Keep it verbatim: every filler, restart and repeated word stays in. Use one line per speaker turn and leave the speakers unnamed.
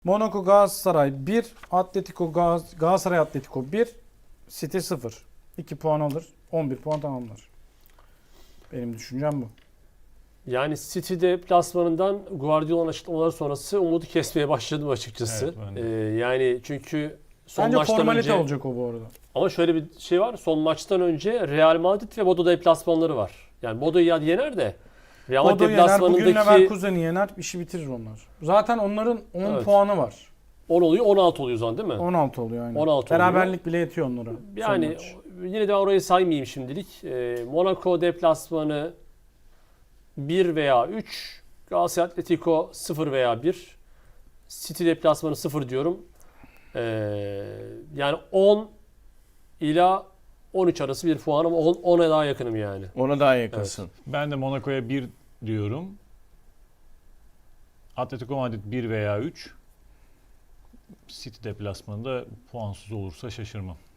Monaco Galatasaray bir, Atletico Gaz- Galatasaray Atletico bir, City sıfır. iki puan alır, on bir puan tamamlar. Benim düşüncem bu.
Yani City deplasmanından Guardiola'nın açıklamaları sonrası umudu kesmeye başladım açıkçası.
Evet, ben de.
Ee, yani çünkü son
Bence
maçtan
formalite
önce
olacak o bu arada.
ama şöyle bir şey var. Son maçtan önce Real Madrid ve Bodo deplasmanları var. Yani Bodo'yu ya yener de Real Madrid
Bodo yener, bugün
deplasmanındaki
Leverkusen'i yener, işi bitirir onlar. Zaten onların on
Evet.
puanı var.
on oluyor, on altı oluyor o zaman değil mi?
on altı oluyor aynen.
on altı oluyor.
Beraberlik bile yetiyor onlara.
Yani
son maç.
yine de orayı saymayayım şimdilik. Ee, Monaco deplasmanı bir veya üç, Galatasaray Atletico sıfır veya bir, City deplasmanı sıfır diyorum. Ee, yani on ila on üç arası bir puan ama on, ona daha yakınım yani.
Ona daha yakınsın.
Ben de Monaco'ya bir diyorum. Atletico Madrid bir veya üç. City deplasmanında puansız olursa şaşırmam.